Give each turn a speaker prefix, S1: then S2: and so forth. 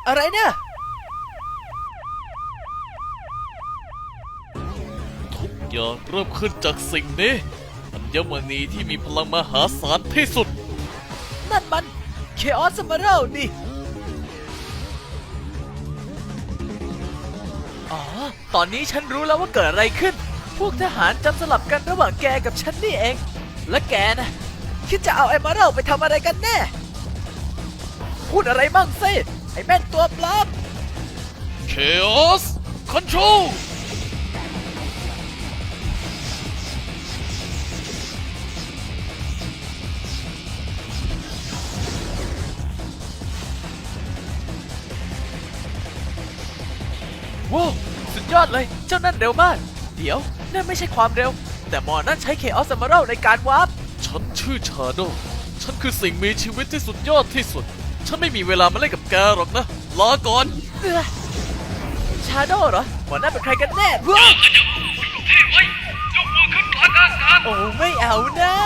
S1: อะไรเนี่ย
S2: ทุกอย่างเริ่มขึ้นจากสิ่งนี้อัญมณีที่มีพลังมหาศาลที่สุด
S1: นั่นมัน Chaos Emerald นี่อ๋อตอนนี้ฉันรู้แล้วว่าเกิดอะไรขึ้นพวกทหารจำสลับกันระหว่างแกกับฉันนี่เองและแกนะคิดจะเอา Emerald ไปทำอะไรกันแน่พูดอะไรบ้างสิไอ้แม่นตัวปลอม
S2: Chaos Control
S1: ว้าวสุดยอดเลยเจ้านั่นเร็วมากเดี๋ยวนั่นไม่ใช่ความเร็วแต่หมอนั่นใช้ Chaos Emerald ในการวาร์ป
S2: ฉันชื่อชาโดฉันคือสิ่งมีชีวิตที่สุดยอดที่สุดฉันไม่มีเวลามาเล่นกับแกหรอกนะลาก่อน
S1: ชาโดเหรอหมอนั่นเป็นใครกันแน่ว้าวโอ้ไม่เอานะ